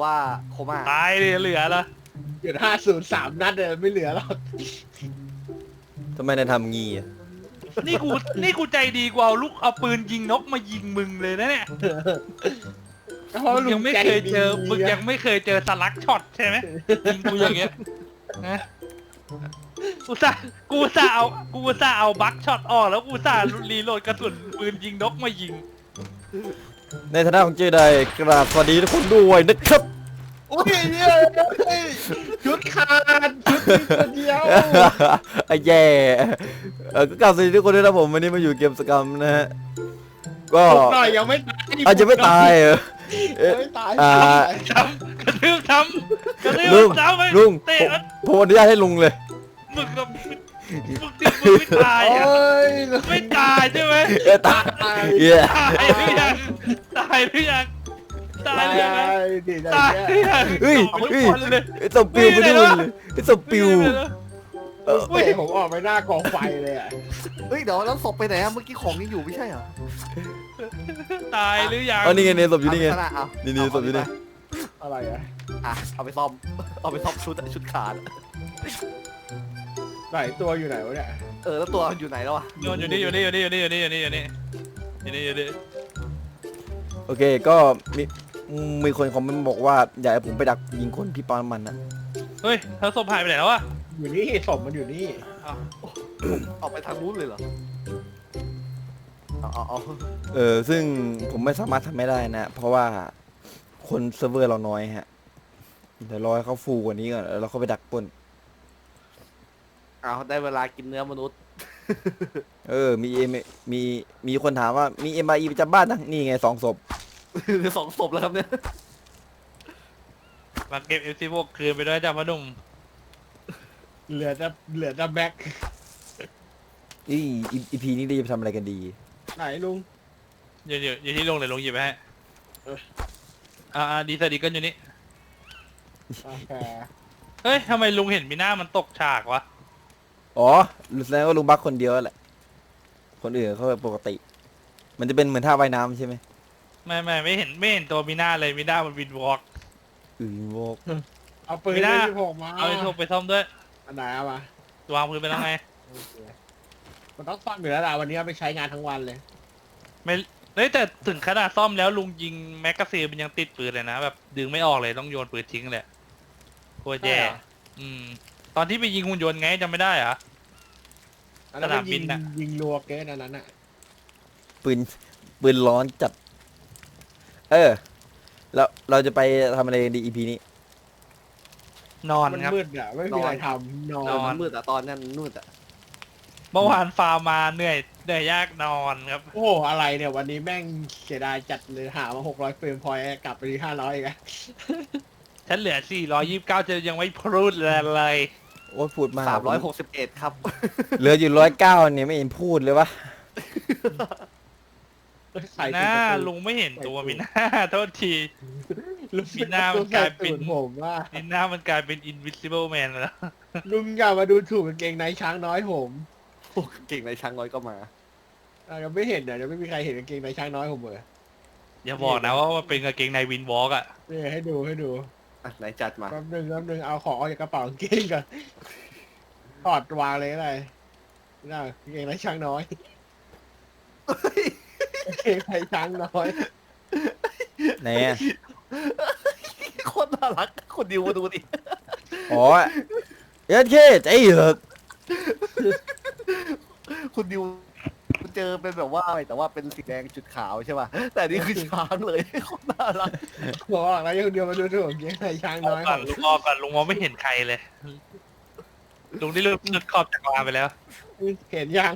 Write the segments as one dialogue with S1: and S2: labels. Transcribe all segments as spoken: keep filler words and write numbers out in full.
S1: ว่าโคม่า
S2: ตายเลยเหลือละ
S3: หยุดห้าศูนย์สามนัดเลยไม่เหลือหรอก
S4: ทำไมนายทำงี้อะ
S2: นี่กูนี่กูใจดีกว่าเอาลูกเอาปืนยิงนกมายิงมึงเลยนะเนี่ย
S3: เพราะ
S2: มึง
S3: ลุ
S2: ยัง
S3: ง
S2: ไม่
S3: ใจ
S2: เคย
S3: ดี
S2: เจอมึงยังไม่เคยเจอสลักช็อตใช่ไหมยิงกูอย่างเงี้ยนะกูสากูสาเอากูสาเอาบัคช็อตออกแล้วกูสารีโหลดกระสุนปืนยิงนกมายิง
S4: ในฐานะของเจไดกราบสวัสดีทุกคนด้วยนะครับ
S3: อุ้ยเนี่ยชุดขาดชุดมีตัวเดียว
S4: ไอ้แย่เออก็กราบสวัสดีทุกคนด้วยนะผมวันนี้มาอยู่เกมสกรรมนะฮะก็
S3: ปลุกหน่อยยังไม่ตาย
S4: อาจจะไม่ตายเหรอเอ๊ะ
S3: ยังไม่ตาย
S4: อ่า
S2: ทำกระทืบทำกระทื
S4: ลุ
S2: บ
S4: ง
S2: ทำไป
S4: ลุง
S2: เตะ
S4: ผมผมอนุญาตให้ลุงเลย
S2: มึงกับมึงที่มึงไม่ตาย
S3: โอ้
S2: อ่ะ
S3: ย
S2: ไม่ตายใช่ไหม
S4: เอ้ยตาย
S3: ตาย
S4: เย้
S2: ตายหรือยังตายหรือยังตายหรือยัง
S3: ดีใจ
S2: ตายหรือยัง
S4: เฮ้ย
S2: ต่อไป
S4: เฮ้ย
S2: ทุกคนเลย
S4: ไอ้สปิวไปนู่นเลยไอ้สปิวเออ
S3: เฮ้ยผมออกไปหน้ากองไฟเลยอ่ะ
S1: เฮ้ยเดี๋ยวแล้วศพไปไหนอะเมื่อกี้ของยังอยู่ไม่ใช่เหรอ
S2: ตายหรือยัง
S4: อ๋อนี่ไงเนี่ยศพอยู่นี่ไง
S1: เอาไปเอา
S4: นี่นี่ศพอยู่นี่
S3: อะไรอ่ะ
S1: อ่ะเอาไปซ่อมเอาไปซ่อมชุดชุดขาด
S3: ไหนตัวอยู่ไหนวะเนี่ย
S1: เออแล้วตัวอยู่ไหนแล้วอะ
S2: โยนอยู่นี่อยู่นี่อยู่นี่อยู่นี่อยู่นี่อยู่นี่อยู่นี่อยู่นี่อยู่นี่
S4: โอเคก็มีมีคนคอมเมนต์บอกว่าอยากให้ผมไปดักยิงคนที่ปั๊มน้ำมันนะ
S2: เฮ้ยเธอศพหายไปไหนแล้ววะ
S3: อยู่นี่ศพมันอยู่นี่
S2: อ้าว
S1: ออกไปทางนู้นเลยเหรอเอาเอาเอา
S4: เออซึ่งผมไม่สามารถทำไม่ได้นะ เพราะว่าคนเซิร์ฟเวอร์เราน้อยฮะเดี๋ยวรอให้เขาฟูกว่านี้ก่อนแล้วเราเข้าไปดักปล้น
S1: เอาได้เวลากินเนื้อมนุษย์
S4: เออมีเอ็มมีมีคนถามว่ามีเอ็มไอประจำบ้านนะนี่ไงสองศพ
S1: สองศพแล้วครับเนี่ย
S2: มาเก็บเอฟซีพวกคืนไปด้วยจ้าพ่อหนุ่ม
S3: เหลือจะเหลือจะแบ็ค
S4: อีอีพีนี้เราจะทำอะไรกันดี
S3: ไหนลุง
S2: อยู่อยู่อยู่ที่ลงเลยลงหยิบไปให้
S3: เออ
S2: อ่าดีสดีกันอยู่นี่
S3: โอเค
S2: เฮ้ยทำไมลุงเห็นมีหน้ามันตกฉากวะ
S4: อ๋อแสดงว่าลุงบักคนเดียวแหละคนอื่นเขาปกติ มันจะเป็นเหมือนท่าว่ายน้ำใช่ไหม
S2: ไม่ไม่ไม่เห็นไม่เห็นตัวมีหน้าเลยมีหน้ามันวินวอล์ก
S4: อือโวก
S3: เอาปืน
S2: ไม่ได้
S3: ที่ผมมา
S2: เอาไอ้โทรไปซ่อมด้วย
S3: อันไหนเอามาว
S2: างปืนไปแล้วไง
S3: โอเคมันต้องซ่อมอยู่แล้วล่ะวันนี้เอาไปใช้งานทั้งวันเลย
S2: ไม่เฮ้ยแต่ถึงขนาดซ่อมแล้วลุงยิงแมกกาซีนมันยังติดปืนเลยนะแบบดึงไม่ออกเลยต้องโยนปืนทิ้งเลยโคตรแย่
S3: ใช่เหรอ
S2: อืม ตอนที่ไปยิงหุ่นยนต์ไงจำไม่ได้เหรอ
S3: อันนั้น
S2: สนาม
S3: มัน
S2: บิ
S3: ยิ
S2: น
S3: ง
S2: น่ะ
S3: ยิงรัวเกินอันนั้นอ่ะ
S4: ปืนปืนร้อนจัด เออแล้วเราจะไปทำอะไรกันดีอีพีนี้
S2: นอน
S3: มัน
S2: ครับ
S3: มืดอ่ะไม่มีอะไรทำนอน
S2: นอน
S1: มันมืดอะตอนนั้นมืดอะ
S2: เมื่อวานฟาร์มมาเหนื่อยเหนื่อยยากนอนครับ
S3: โอ้โหอะไรเนี่ยวันนี้แม่งเสียดายจัดเลยหามาหกร้อยเฟรมพอยต์กลับไปที่ห้าร้อยอีกอะ
S2: ฉันเหลือสี่ร้อยยี่สิบเก้าจะยังไม่พูดเลย
S4: โอ้ยพูดมาก
S1: สามร้อยหกสิบเอ็ดครับ
S4: เหลืออยู่ร้อยเก้าเนี่ยไม่เห็นพูดเลยวะ
S3: ใคร
S2: ห
S3: จะ
S2: น้า
S3: ไป
S2: ลุงไม่เห็นตัวมีหน้า โทษที
S3: ลุง
S2: มีหน้ามันกลายเป็น
S3: ตูดผมว่า
S2: มีหน้ามันกลายเป็น invisible man แล้ว
S3: ลุงอย่ามาดูถูกกางเกงในช้างน้อยผม
S1: โอ้เก่งในช้างน้อยก็มา
S3: อ่ะยังไม่เห็นเนี่ยยังไม่มีใครเห็นกางเกงในช้างน้อยผมเลย
S2: อย่าบอกนะว่ามันเป็นกางเกงในวินวอล์กอ่ะ
S3: นี่ให้ดูให้ดู
S1: อ่ะไหนจัดมา
S3: แป๊บนึงแป๊บนึงเอาของออกจากกระเป๋ากางเกงก่อนถอดวางเลยอะไรน่ากางเกงในช้างน้อยกางเกงในช้างน้อย
S4: ไหนอะ
S1: โคตรน่ารักคนดิวมาดูดิ
S4: อ๋อเอ็ดเคใจเหอะ
S1: คุณดิวเจอเป็นแบบว่าแต่ว่าเป็นสีแดงจุดขาวใช่ป่ะแต่นี่คือช้างเลยโคตรน่ารัก
S3: บอกแล้วยังเดียวมาดูถูกกางเกงในช้าง
S2: อ
S3: น้
S2: อ
S3: อก ย
S2: ก่อนลุงออกก่อนลุงมองไม่เห็นใครเลย ลุงได้เลือกเลือกขอบจักรวาลไปแล้ว
S3: เห็นยัง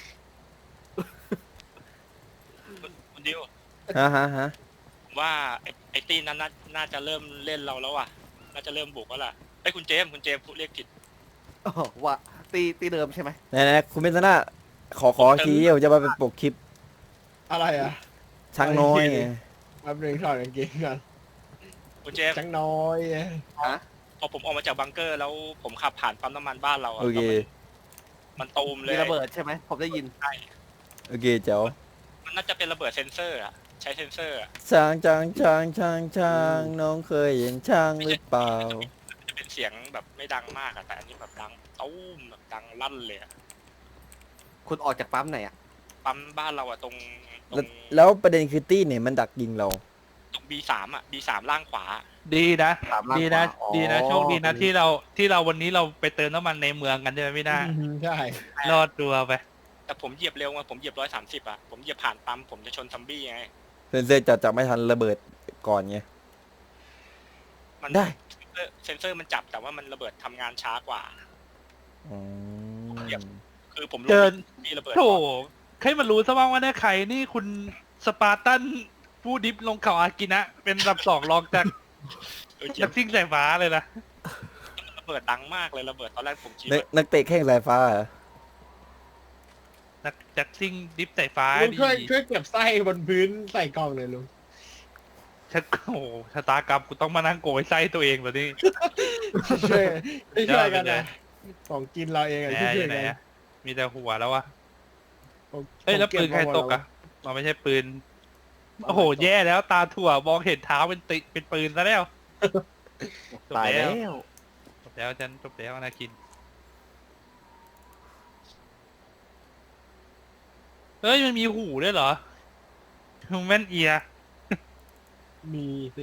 S5: คุณดิว
S4: ฮะฮะฮะ
S5: ผมว่าไอ้ไอ้ตีนั้นน่าน่าจะเริ่มเล่นเราแล้วว่ะ น่าจะเริ่มบุกแล้วล่ะไอ้ยคุณเจมส์คุณเจมส์พูดเรียกผิด
S1: อ๋อว่าตีตีเดิมใช่ไหม
S4: ไหนไหนคุณเป็นซนาขอขอทีเดียวจะมาเป็นปกคลิป
S3: อะไรอ่ะ
S4: ช้างน้อยไง
S3: แป๊บนึงถอดกางเกงก่อน
S5: คุณเจมส์
S3: ช้างน้อย
S1: ฮะ
S5: พอผมออกมาจากบังเกอร์แล้วผมขับผ่านปั๊มน้ำมันบ้านเราอะ
S4: โอเค
S5: แล้วมันมันตูมเล
S1: มี
S5: ย
S1: ระเบิดใช่ไหมผมได้ยิน
S5: ใช่
S4: โอเคเจ้า
S5: มันน่าจะเป็นระเบิดเซนเซอร์อะใช้เซนเซอร์อะ
S4: ช้างช้างช้างช้างช้างน้องเคยเห็นช้างหรือเปล่า
S5: จะเป็นเสียงแบบไม่ดังมากอะแต่อันนี้แบบดังตุ้มแบบดังลั่นเลยอะ
S1: คุณออกจากปั๊มไหนอ่ะ
S5: ปั๊มบ้านเราอะตรงตร
S4: แล้ว
S5: ง
S4: แล้วประเด็นคือตี้เนี่ยมันดักยิงเรา
S5: ตรง บี สาม อะ บี สาม ล่างขวา
S2: ดีนะ
S1: ตามล่าง
S2: ดีนะ
S1: ขวาอ๋อ
S2: ดีนะโชคดีนะที่เราที่เราวันนี้เราไปเติมน้ำมันในเมืองกันใช่ไหมพี่นา
S3: อืมใช่
S2: รอดตัวไป
S5: แต่ผมเหยียบเร็วไงผมเหยียบร้อยสามสิบอะผมเหยียบผ่านปั๊มผมจะชนซัมบี้ไง
S4: เซนเซอร์จะจับไม่ทันระเบิดก่อนไง
S5: มัน
S4: ได้
S5: เซนเซอร์เซนเซอร์มันจับแต่ว่ามันระเบิดทำงานช้ากว่า
S4: อืม
S5: คือผมรู้
S2: เดิน
S5: มีระเบิด
S2: โถ
S5: ก่อน
S2: ใครมันรู้ซะบ้างว่าเนี่ยใครนี่คุณสปาร์ตันผู้ดิฟลงเขาอากินะ เป็นอันดับสองรองจาก
S5: เออเจ็
S2: นั
S5: บ
S2: กซิ่งสายฟ้าเลยนะ
S5: ระเบิดดังมากเลยระเบิดตอนแรกผมคิด
S4: นัก
S5: ว่า
S4: นักเตะแข้งสายฟ้าเหรอ
S2: นักนักซิ่งดิฟสายฟ้า
S3: ลุง
S2: ดี
S3: ช่วยช่วยเก็บไส้บนพื้นใส่กล่องเลยลุง
S2: ฉันโอ้โหชะตากรรมกูต้องมานั่งโกยไส้ตัวเองเหรอนี่
S3: ช่วยช่วยกัน
S2: เดี๋ยว
S3: นะของกินเราเองอะ
S2: แหม
S3: ช่วย
S2: อ
S3: ๆ
S2: ยู่
S3: กัน
S2: ไหนอะมีแต่หัวแล้ววะ
S3: ของ
S2: เอ้ยแล้ว
S3: ของ
S2: ปืนใครตกอะมันไม่ใช่ปืน โอ้โห แย่แล้วตาถั่วมองเห็นเท้าเป็นติเป็นปืนซะแล้ว จบ
S1: ตาย
S2: แล้
S1: แล้ว ว
S2: จบแล้วฉันจบแล้วนาคิน เฮ้ย มันมีหูด้วยเหรอแม่นเอีย
S3: มีสิ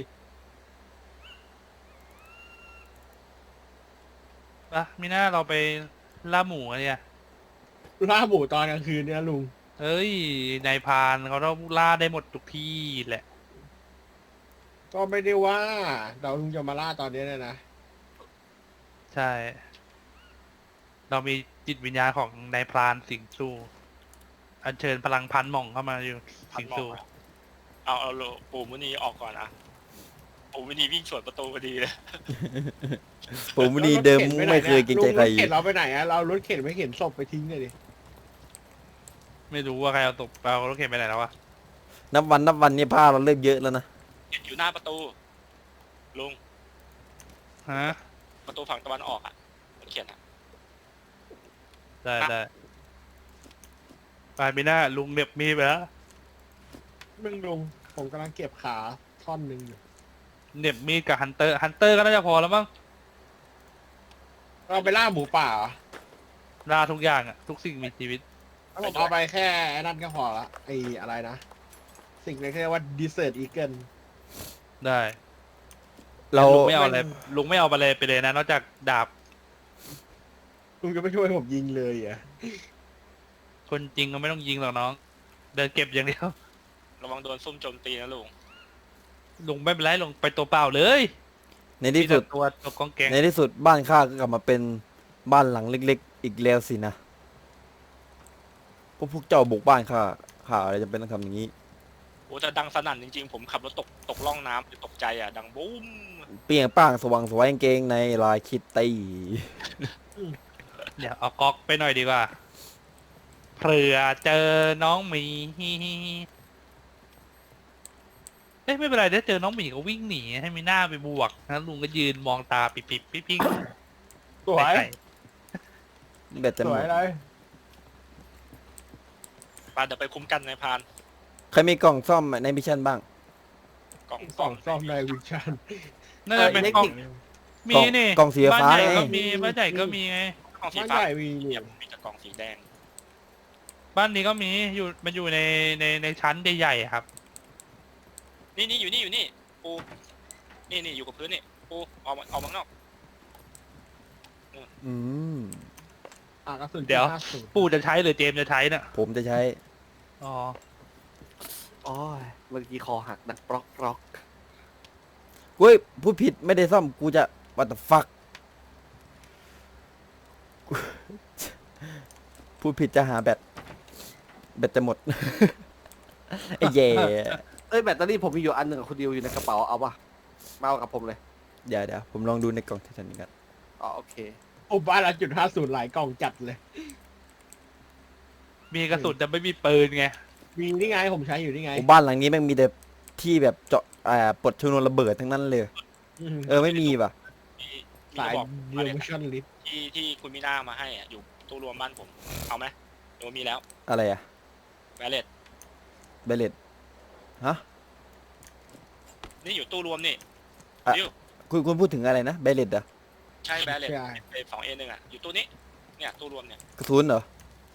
S2: ปะมีหน้าเราไปล่าหมูอะเนี่ย
S3: ล่าหมูตอนกลางคืนเนี่ยลุง
S2: เอ้ยนายพรานเขาต้องล่าได้หมดทุกที่แหละ
S3: ก็ไม่ได้ว่าเราลุงจะมาล่าตอนนี้เนี่ยนะ
S2: ใช่ เรามีจิตวิญญาณของนายพรานสิงสู่ อัญเชิญพลังพันหม่องเข้ามาอยู่
S5: พั
S2: สิ
S5: น
S2: ง
S5: หม่อง
S2: สู่
S5: อะเอาเอาโลปู่มุนีออกก่อนอะปู่มุนีวิ่งสวนประตูพอดีเลย
S4: ผมนี่เดิมไม่เคยเกรงใจใคร
S3: ลุงรถเข็นเราไปไหนอะเรารถเข็นไม่เข็นศพไปทิ้งเลยดิ
S2: ไม่รู้ว่าใครเอาตกเอารถเข็นไปไหนแล้ววะ
S4: นับวันนับวันนี่ผ้าเราเริ่มเยอะแล้วนะ
S5: อยู่หน้าประตู ลุง
S2: ฮะ
S5: ประตูฝั่งตะวันออกอะรถเขียนอะ
S2: ได้ได้ไปมีหน้าลุงเหน็บมีดไปแล้ว
S3: มึงลุงผมกำลังเก็บขาท่อนหนึ่งอยู่
S2: เหน็บมีดกับฮันเตอร์ ฮันเตอร์ก็น่าจะพอแล้วมั้ง
S3: เราไปล่าหมูป่าเหรอ
S2: ล่าทุกอย่างอะทุกสิ่งมีชีวิต
S3: เอาผมเอาไปแค่ไอ้นั่นก็พอละไอ้อะไรนะ สิ่งนี้เรียกว่าดีเซอร์อีเกิล
S2: ได้
S4: เรา
S2: ลุงไม่เอาอะไรลุงไม่เอาไปเลยไปเลยนะนอกจากดาบ
S3: ลุงจะไม่ช่วยผมยิงเลยเหรอ่ะ
S2: คนจริงก็ไม่ต้องยิงหรอกน้อง เดินเก็บอย่างเดียว
S5: ระวังโดนซุ่มโจมตีนะลุง
S2: ลุงไม่เป็นไรลุงไปตัวเปล่าเลย
S4: ในที่สุด
S2: มีแต่ตัวตัวกองแกง
S4: ในที่สุดบ้านข้าก็กลับมาเป็นบ้านหลังเล็กๆ อีกแล้วสินะพวกพวกเจ้าบุกบ้านข้าข้าอะไรจะเป็นต้องทำอย่างนี้
S5: โอ้แต่ดังสนั่นจริงๆ ผมขับรถตกตกล่องน้ำเลยตกใจอะดังบูม
S4: เปรียงป้างสว่างสวยกางเกงในลายคิตตี้
S2: เดี๋ยวเอาก๊อกไปหน่อยดีกว่าเผื่อเจอน้องหมีเอ้ยไม่เป็นไรถ้าเจอน้องหมีก็วิ่งหนีให้มีหน้าไปบวกนะลุงก็ยืนมองตาปิบๆปิ๊บปิ๊ง
S3: สวย
S2: ใส่
S4: แบตจะ
S3: ส
S4: หม
S3: วย
S4: ด
S3: เลย
S5: ปาเดี๋ยวไปคุ้มกันในายพราน
S4: ใครมีกล่องซ่อมในมิชชั่นบ้าง
S5: กล่อง
S3: กล่องซ่อมในวิชั่น
S2: น่าจะเป็น
S1: เออ
S2: กล่อง
S1: เล็ก
S2: มีนี่
S4: กล่องสี
S2: บ้าน
S4: ฟ้า
S2: ใหญ่
S4: ไง
S2: ก็มีบ้านใหญ่ก็มีไง
S5: กล่องสี
S3: บ้าน
S5: ฟ้า
S3: ใหญ่มี
S5: เนี่
S3: เนี่ย ย
S5: มีแต่กล่องสีแดง
S2: บ้านนี้ก็มีอยู่มันอยู่ในในในชั้นใหญ่ๆอะครับ
S5: นี่นี่อยู่นี่อยู่นี่ปูนี่นี่อยู่กับพื้นนี่ปูออกมาออกมาข้างนอก
S4: อืม
S3: อ่ะกระสุน
S2: เดี๋ยว
S3: ห้าสิบ
S2: ปู่จะใช้หรือเจมส์จะใช้น่ะ
S4: ผมจะใช้
S2: อ๋อ
S1: โอ้ยเมื่อกี้คอหักดังปลอกปลอก
S4: เฮ้ยพูดผิดไม่ได้ซ่อมกูจะ what the fuck กูพูดผิดจะหาแบตแบตจะหมด ไอ้แย่
S1: เอ้ยแบตเตอรี่ผมมีอยู่อันหนึ่งกับคุณดิวอยู่ในกระเป๋าเอาปะมาเอากับผมเลย
S4: เดี๋ยวเดี๋ยวผมลองดูในกล่องที่ฉันกัน
S1: อ๋อโอเค
S3: โอ้บ้านละจุดห้าศูนย์หลายกล่องจัดเลย
S2: มีกระสุนแต่ไม่มีปืนไง
S3: มีนี่ไงผมใช้อยู่นี่ไง
S4: โอ้บ้านหลังนี้แม่งมีแต่ที่แบบเจาะอ่าปลดชนวนระเบิดทั้งนั้นเลย
S3: อืม
S4: เออไม่มีป่ะ
S5: มีมี
S3: สาย
S5: กระบอก
S3: เดี
S5: มา
S3: ยว
S5: เนี่ย
S3: มิชั่นลิส
S5: ที่ที่คุณมิน่ามาให้อ่ะอยู่ตู้รวมบ้านผมเอาไหมหรือว่ามีแล้ว
S4: อะไรอะ
S5: แวเลต
S4: เบลเลตฮะ
S5: นี่อยู่ตู้รวมนี่
S4: อ่ะ
S5: ดิว
S4: คุณคุณพูดถึงอะไรนะเบลเลตเหรอ
S5: ใช่แบลเลต
S3: ใช่
S5: สองเอหนึ่งอ่ะอยู่ตู้นี้เนี่ยตู้รวมเนี่ย
S4: กระสุนเหรอ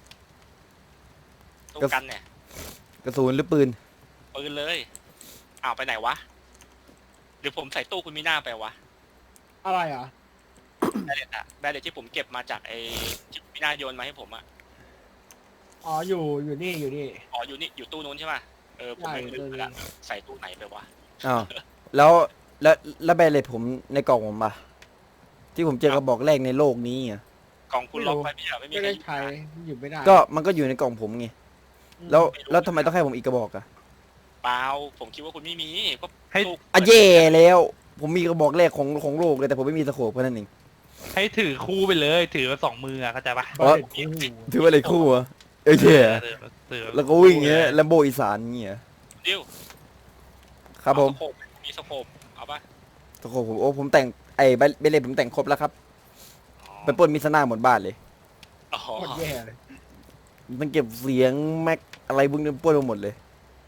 S5: ตู้
S4: กระ
S5: กันเนี่ย
S4: กระสุนหรือปืน
S5: ปืนเลยอ้าวไปไหนวะหรือผมใส่ตู้คุณมีหน้าไปวะ
S3: อะไรอ่ะ
S5: แบลเลตอะแบลเลตที่ผมเก็บมาจากไอ้ที่มีหน้าโยนมาให้ผมอะ
S3: อ๋ออยู่อยู่นี่อยู่นี่
S5: อ๋ออยู่นี่อยู่ตู้นู้นใช่ป่ะเออผมไม่
S3: ใช่
S5: ลืมไป
S3: ตู้นี้
S5: ละใส่ตู้ไหนไปวะ
S4: อ้าวแล้วแล้วแล้วเบลเลตผมในกล่องผมปะที่ผมเจอกระบอกแรกในโลกนี้อ่ะ
S5: กล่องคุณล็อกไว้ไม่ใช่เหรอไม่มี
S3: ไม่
S5: ใคร
S3: ได้
S5: อยู่
S3: ใช้หยิบไม่ได้
S4: ก็มันก็อยู่ในกล่องผมไงแล้วแล้วทำไมต้องให้ผมอีกกระบอกอะ
S5: เปล่าผมคิดว่าคุณไม่มีก็
S2: ให้
S5: ตู้
S4: อ่ะเย่แล้ว ผมมีกระบอกแรกของของโลกเลยแต่ผมไม่มีสโคปแค่นั้นเอง
S2: ให้ถือคู่ไปเลย ถือมาสองมืออะเข้าใจปะ
S3: บาเลตคู่
S4: ถือว่าอะไรคู่อะเออเย่
S2: ถือถือ
S4: แล้วก็วิ่งเงี้ยแลมโบอีสานเงี้ย
S5: ดิว
S4: ครับผม
S5: เอาสโคปมีสโคปเอาป่ะ
S4: สโคปผมโอ้ผมแต่งไอ้เบลเลตผมแต่งครบแล้วครับ
S5: อ๋อ
S4: ไปปล้นมิสนาหมดบ้านเลย
S5: อ๋อ
S3: โคตรแย่เลย
S4: มันเก็บเสียงแม็กอะไรพวกนี้ปล้นไปหมดเลย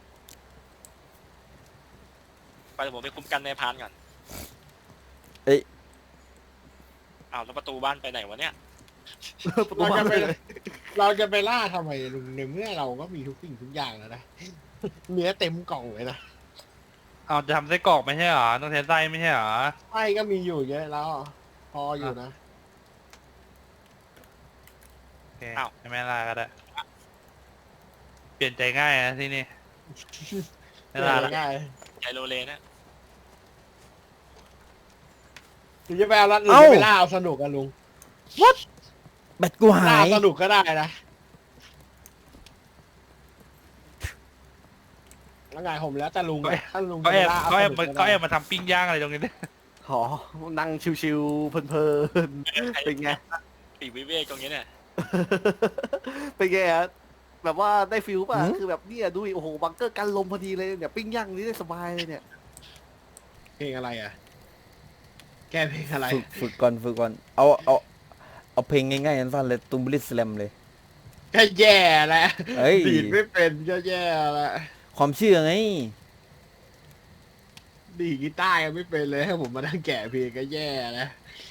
S5: ไปเดี๋ยวผมไปคุมกันในพานก่อน
S4: เอ้ย
S5: อ้าวแล้วประตูบ้านไปไหนวะเนี่ย
S1: ประตู
S3: เรา
S1: บ้า
S3: จะ
S1: น
S3: ไป
S1: เลย
S3: เราจะไปล่าทำไมลุงในเมื่อเราก็มีทุกสิ่งทุกอย่างแล้วนะเนื้อเต็มกล่องเลยนะ
S2: เอาจะทำไส้กรอกไม่ใช่เหรอต้องใช้ไส้ไม่ใช่เหรอ
S3: ไส้ก็มีอยู่เยอะแล้ว พออยู่นะ
S2: โอเคให้แม่ล่าก็ได้ เปลี่ยนใจง่ายนะที่นี่ไม่ล่าละ
S3: ง่าย
S5: ใจโรเลนะ
S3: หรือจะไปเอาลัดหรือ
S4: เอ้า
S3: จะไปล่าเอาสนุกกันลุง
S4: แบตกูหา
S3: ล่าย สนุกก็ได้นะแล้วไงผมแล้วแต่ลุงอะถ้าลุง
S2: ก็แอบ
S3: จะล่า
S2: ก็แอบ
S3: เาส
S2: มา
S3: นุ
S2: ก็
S3: ได้
S2: แอบมาทำปิ้งย่างอะไรตรงนี้เนี่ย
S1: หอนั่งชิวๆเพลินๆเป็นไง
S5: ปีกวิเวกตรงนี้เนี่ย
S1: เป็นไงฮะแบบว่าได้ฟิลป่ะ คือแบบเนี่ยดูดิโอ้โหบังเกอร์กันลมพอดีเลยเนี่ยปิ้งย่างนี้ได้สบายเลยเนี่ย
S3: เพลงอะไรอ่ะ แกเพลงอะไร
S4: ฝึกฝึกก่อนฝึกก่อนเอาเอาเอาเพลงง่ายๆสั้นๆเลยตุมบลิสแลมเลย
S3: ก็แย่แล้ว
S4: เอ้ย
S3: ดีดไม่เป็นก็แย่แล้ว
S4: ความเชื่อไง
S3: ดีดกีตาร์ยังไม่เป็นเลยให้ผมมานั่งแกะเพลงก็แย่แล้ว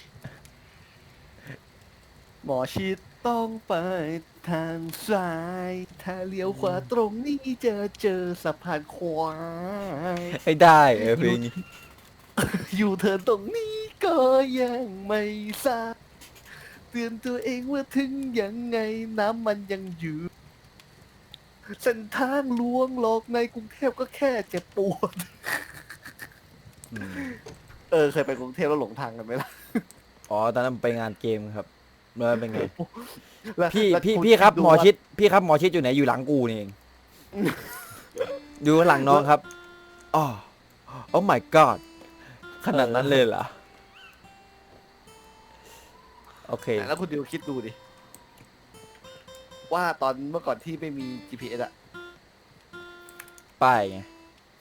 S1: หมอชิดต้องไปทางซ้าย ถ้าเลี้ยวขวาตรงนี้จะเจอสะพานควาย
S4: ให้ได้เออเพลงนี้
S1: อยู่เธอตรงนี้ก็ยังไม่ทราบเตือนตัวเองว่าถึงยังไงน้ำมันยังอยู่เส้นทางลวงหลอกในกรุงเทพก็แค่เจ็บปวด
S4: อืม
S1: เออเคยไปกรุงเทพแล้วหลงทางกันไหมล่ะ
S4: อ๋อตอนนั้นไปงานเกมครับเมื่อเป็นไง
S1: แล้ว
S4: พี่
S1: แล้ว
S4: พี่
S1: ณ
S4: พี่ครับ
S1: ดู
S4: หมอ
S1: ว่า
S4: ชิดพี่ครับหมอชิดอยู่ไหนอยู่หลังกูนี่เอง อยู่ข้างหลังน้องครับอ๋อโอ้ my god ขนาดนั้นเลยเหรอโอเค
S1: แล้วคุณดิวคิดดูดิ ว่าตอนเมื่อก่อนที่ไม่มี จี พี เอส อะ
S4: ป้ายไง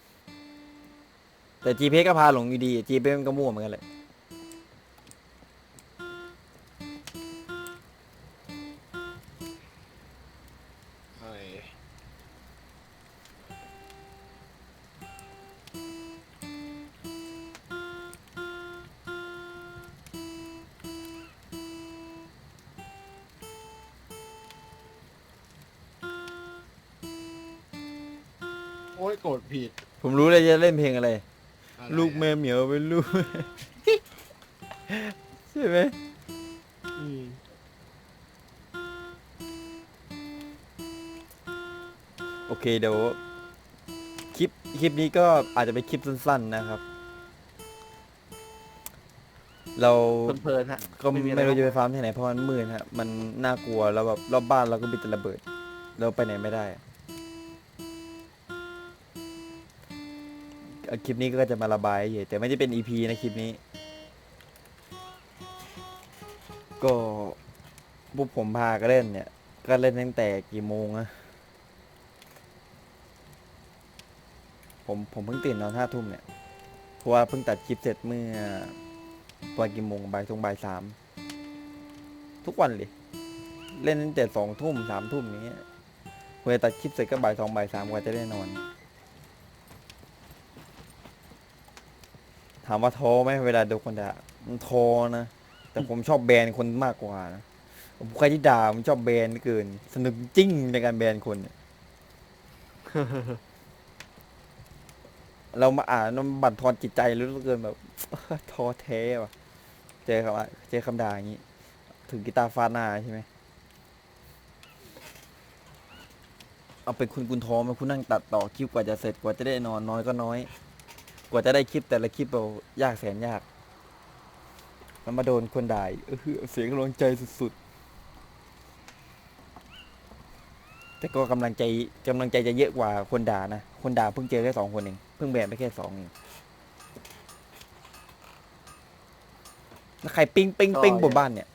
S4: แต่ จี พี เอส ก็พาหลงอยู่ดี จี พี เอส มันก็มั่วเหมือนกันแหละ
S3: เอ้ย โอ้ยโกรธผิด
S4: ผมรู้เลยจะเล่นเพลงอะไร
S3: อะไรอะ
S4: ลูกแม่เหมียวเป็นลูก ใช่ไหม
S3: อืม
S4: โอเคเดี๋ยวคลิปคลิปนี้ก็อาจจะเป็นคลิปสั้นๆนะครับ เรา
S1: เพลินๆฮะ
S4: ก็
S1: ไม่มีอะไร
S4: ไม่รู้จะไปฟาร์มที่ไหนเพราะมันมืดฮะมันน่ากลัวแล้วแบบรอบบ้านเราก็มีแต่ระเบิด เราไปไหนไม่ได้อะคลิปนี้ก็จะมาระบายเฉยแต่ไม่ได้เป็น อี พี นะคลิปนี้ ก็พวกผมพาก็เล่นเนี่ย ก็เล่นตั้งแต่กี่โมงอะผมผมเพิ่งตื่นนอนห้าทุ่มเนี่ยเพราะว่าเพิ่งตัดคลิปเสร็จเมื่อประมาณกี่โมงบ่ายสองบ่ายสามทุกวันเลย เล่นตั้งแต่สองทุ่มสามทุ่มอย่างเงี้ยเวลาตัดคลิปเสร็จก็บ่ายสองบ่ายสามกว่าจะได้นอนถามว่าท้อไหมเวลาโดนคนด่ามันท้อนะ แต่ผมชอบแบนคนมากกว่านะผมใครที่ด่าผมชอบแบนเกิน สนุกจริงในการแบนคนเนี่ย เรามาอ่านมันบั่นทอนจิตใจเหลือเกินแบบ ท้อแท้ว่ะ เจอคำว่าเจอคำด่าอย่างนี้ ถึงกีตาร์ฟาดหน้าใช่ไหม เอาเป็นคุณคุณท้อไหมคุณนั่งตัดต่อคลิปกว่าจะเสร็จกว่าจะได้นอนน้อยก็น้อย กว่าจะได้คลิปแต่ละคลิปเรายากแสนยากแล้วมาโดนคนด่าอีกเออเสียงกำลังใจสุดๆ แต่ก็กำลังใจกำลังใจจะเยอะกว่าคนด่านะ คนด่าเพิ่งเจอแค่สองคนเองเพิ่งแบนไปแค่สองเองแล้วใครปิ้งปิ้งปิ้งบนบ้านเนี่ย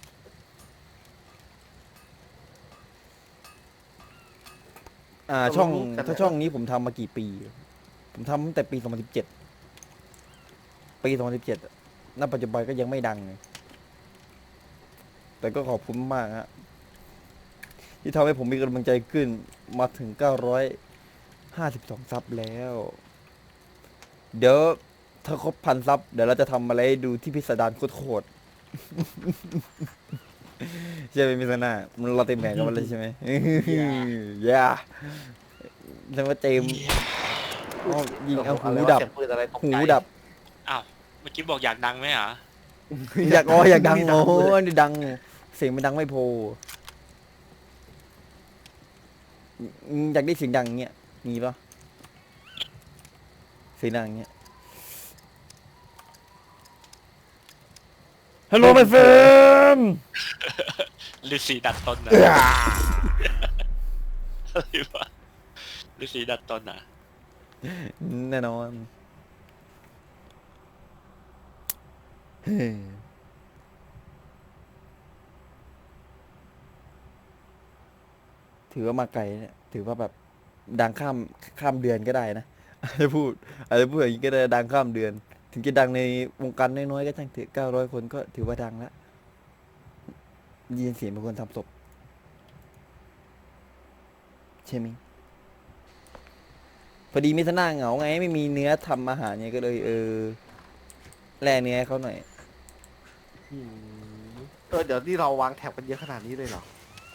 S4: อ่าช่องถ้าช่องนี้ผมทำมากี่ปี ผมทำตั้งแต่ปีสองพันสิบเจ็ดปีสองพันสิบเจ็ดณปัจจุบันก็ยังไม่ดังเลยแต่ก็ขอบคุณมากฮะที่ทำให้ผมมีกำลังใจขึ้นมาถึงเก้าร้อยห้าสิบสองซับแล้ว เดี๋ยวถ้าครบพันซับเดี๋ยวเราจะทำอะไรให้ดูที่พิสดารโคตรๆใช่ไหมมิสนามันเราเต็มแผงกันมาเลยใช่ไหมย่าแล้วว่าเจมส์อ้าวยิงเอาหูดับ
S1: เสียงปืนอะไรตก
S4: หู
S1: ใจ
S4: ดับ
S5: อ้าวเมื่อกี้บอกอยากดังไหมเหรอ
S4: อยากอ๋ออยากดังโอ้ยดัง เสียงมันดังไม่พออืมอยากได้เสียงดังเงี้ยมีปะเสียงดังเงี้ยฮัลโหล my friend
S5: ฤาษีดัดตนนะอะไรวะฤาษีดัดตนอ่ะ
S4: แน่นอนเฮ้ยถือว่ามาไกลเนี่ยถือว่าแบบดังข้ามข้ามเดือนก็ได้นะอาจจะพูดอาจจะพูดอย่างนี้ก็ได้ดังข้ามเดือน ถึงจะดังในวงการน้อยๆก็ช่างเถอะเก้าร้อยคนก็ถือว่าดังแล้วยินเสียงเป็นคนทำศพใช่ไหมยพอดีมิสนาเหงาไงไม่มีเนื้อทำอาหารเนี่ยก็เลยเออแลเนื้อให้เขาหน่อย
S3: อืม
S1: เออเดี๋ยวที่เราวางแถบกันเยอะขนาดนี้เลยเหรอ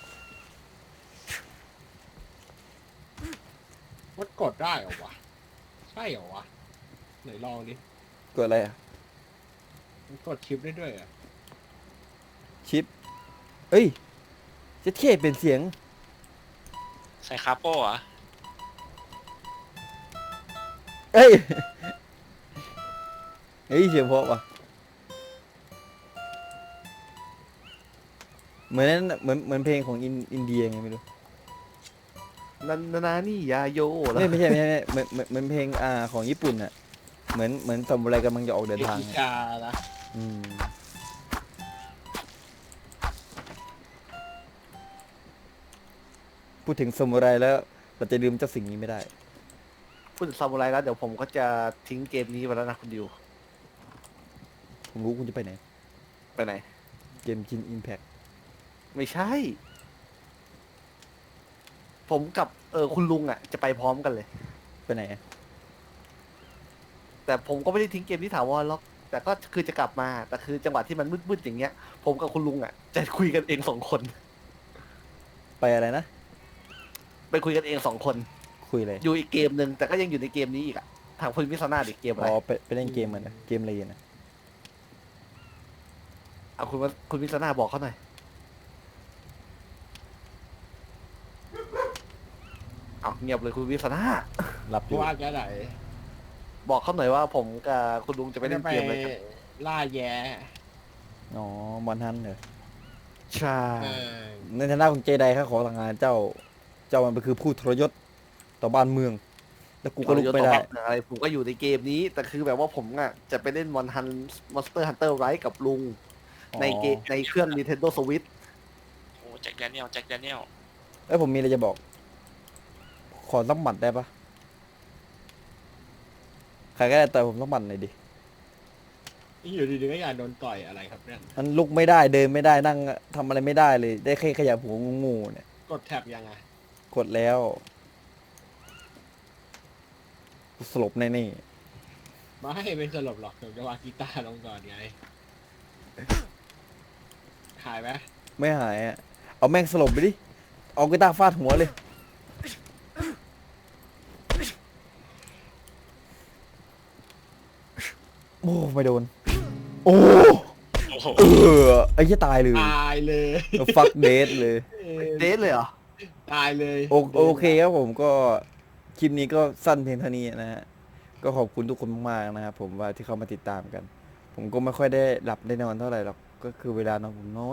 S3: มันกดได้เหรอวะ ใช่เหรอวะ ไหนลองดิ
S4: กดอะไรอ่ะ
S3: มันกดชิปได้ด้วยเหรอ่ะ
S4: ชิป เอ้ยจะเท่เป็นเสียง
S5: ใส่คาโป้เหรอ
S4: เอ้ย เฮ้ยเสียงเพราะว่ะเหมือนนั้นเหมือนเหมือนเพลงของอินอินเดียไงไม่รู้
S1: นันนานานี่ยาโยแล้ว
S4: ไม่ไม่ใช่ไม่ใช่ไม่ใช่เหมือนเหมือนเหมือนเพลงอ่าของญี่ปุ่นอ่ะ เหมือนเหมือนซามูไรกำลังจะออกเดิน
S3: เอ
S4: ทาง
S3: กิ
S4: อะ
S3: กาละ
S4: อืมพูดถึงซามูไรแล้ว เราจะลืมเจ้าสิ่งนี้ไม่ได้
S1: พูดถึงซามูไรแล้วเดี๋ยวผมก็จะทิ้งเกมนี้ไปแล้วนะคุณดิว
S4: ผมรู้คุณจะไปไหน
S1: ไปไหน
S4: เกมจินอิมแพค
S1: ไม่ใช่ ผมกับเออคุณลุงอ่ะจะไปพร้อมกันเลย
S4: ไปไหนอะ
S1: แต่ผมก็ไม่ได้ทิ้งเกมที่ถาวรหรอกแต่ก็คือจะกลับมาแต่คือจังหวะที่มันมืดๆอย่างเงี้ย ผมกับคุณลุงอ่ะจะคุยกันเองสองคน
S4: ไปอะไรนะ
S1: ไปคุยกันเองสองคน
S4: คุยอะไร
S1: อยู่อีกเกมหนึ่งแต่ก็ยังอยู่ในเกมนี้อีกอ่ะทางคุณมิสนาอีกเกมอะไร
S4: อ๋อไปไปเล่นเกมมันนะเกมอะไรนะ
S1: เอาคุณว่าคุณมิสนาบอกเขาหน่อยเอาเงียบเลยคุณมิสนา
S4: หลับอ
S3: เพ
S4: ยู่
S3: ราะว่าจะไหน
S1: บอกเขาหน่อยว่าผมกับคุณลุงจะไปเล่น
S3: ไป
S1: เกมอะไรกัน
S3: ล่าแย่
S4: อ๋อมอนฮันเหรอ
S1: ใช่
S3: เออ
S4: ในฐานะของเจไดข้าขอทางงานเจ้า เจ้ามันไปคือผู้ทรยศต่อบ้านเมือง แล้วกูก็ลุกไม่ได้
S1: อะไรผมก็อยู่ในเกมนี้ แต่คือแบบว่าผมอ่ะจะไปเล่นมอนฮันมอนสเตอร์ฮันเตอร์ไรกับลุง ในเกมในเครื่อง Nintendo Switch
S5: โอ้แจ็คแดเนียลแจ็คแดเนียล
S4: เอ้ยผมมีอะไรจะบอก ขอสักหมัดได้ปะใครก็ได้ต่อยผมสักหมัดหน่อยดิ
S3: นี่อยู่ดีๆก็อยากโดนต่อยอะไรครับเนี่ย
S4: มันลุกไม่ได้เดินไม่ได้นั่งทำอะไรไม่ได้เลย ได้แค่ขยับหัวงูๆเนี่ย
S3: กดแท็บยังไง
S4: กดแล้วกูสลบแน่
S3: ไม่ไม่สลบหรอกผมจะวางกีตาร์ลงก่อนไงหายไหม
S4: ไม่หายอ่ะ เอาแม่งสลบไปดิ เอากีตาร์ฟาดหัวเลย โอ้ไม่โดน โอ้
S5: โอ้โห
S4: เออไอ้เหี้ยตายเลย
S3: ตายเลย
S4: ฟักเดทเลย
S1: เดทเลยเหรอ
S3: ตายเลย
S4: โอโอเคครับผมก็คลิปนี้ก็สั้นเพียงเท่านี้นะฮะ ก็ขอบคุณทุกคนมากๆนะครับผมว่าที่เข้ามาติดตามกัน ผมก็ไม่ค่อยได้หลับได้นอนเท่าไหร่หรอก ก็คือเวลานอนผมน้อย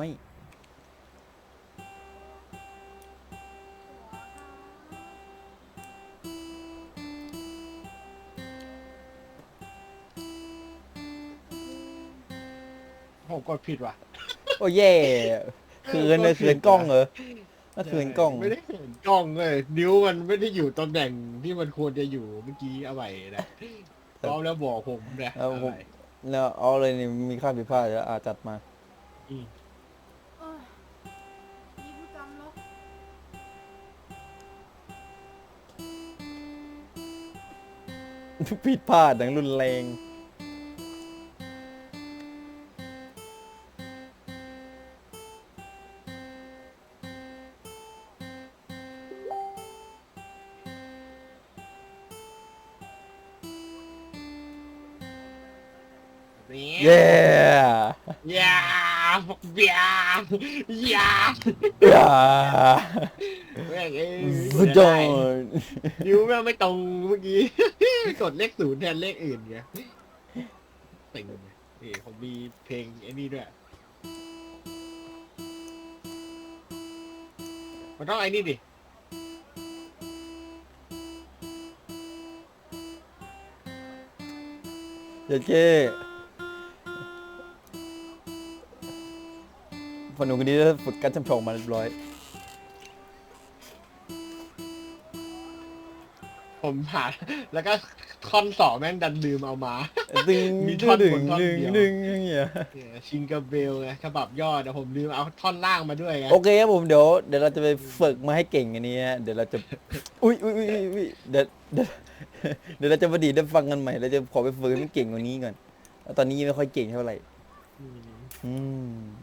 S3: ผมกดผิดว่ะ
S4: โอ้แย่คืนเลยคืนกล้องเหรอน่าคืนกล้อง
S3: ไม่ได้เห็นกล้องเลยนิ้วมันไม่ได้อยู่ตำแหน่งที่มันควรจะอยู่เมื่อกี้เอาไว้นะพร้อมแล้วบอกผมนะ
S4: เอาผม
S3: เอาไว้
S4: แล้วเอาเลยนี่มีค่าผิดพลาดแล้วอาจัดมา
S3: อืม
S6: เอ้ยนี่ผู้จำเนาะ
S4: ผิดพลาดอย่างรุนแรง
S3: นี่
S4: เย้
S3: ยาเบียยา
S4: อย่า
S3: แม่งเอ้ย
S4: สุดยอด
S3: นิ้วแม่งไม่ตรงเมื่อกี้ กดเลขศูนย์แทนเลขอื่นไงติ่งนี่ผมมีเพลงไอ้นี่ด้วยมันต้องไอ้นี่ดิ
S4: เจ๊เจ๊พอหนุ่มคนนี้ได้ฝึกการจำชองมาเรียบร้อย
S3: ผมผ่านแล้วก็ท่อนสองแม่งดันลืมเอามา
S4: ดึง
S3: มี
S4: ดึ
S3: ท่อน
S4: งดึ
S3: บ
S4: ง
S3: นท่อน
S4: ดึง
S3: เดียว
S4: ดึงอย่างเงี้ย
S3: เนี่ยชิงกาเบลไงฉบับย่อแต่ผมลืมเอาท่อนล่างมาด้วยไง
S4: โอเคครับผมเดี๋ยวเดี๋ยวเราจะไปฝึกมาให้เก่งอันนี้ฮะเดี๋ยวเราจะ อุ้ยอุ้ยอุ้ยอุ้ยเดี๋ยวเดี๋ยวเดี๋ยวเราจะมาดีได้ฟังกันใหม่เราจะขอไปฝึกให้มันเก่งกว่านี้ก่อนแล้วตอนนี้ยังไม่ค่อยเก่งเท่าไหร่
S3: อืม
S4: อืม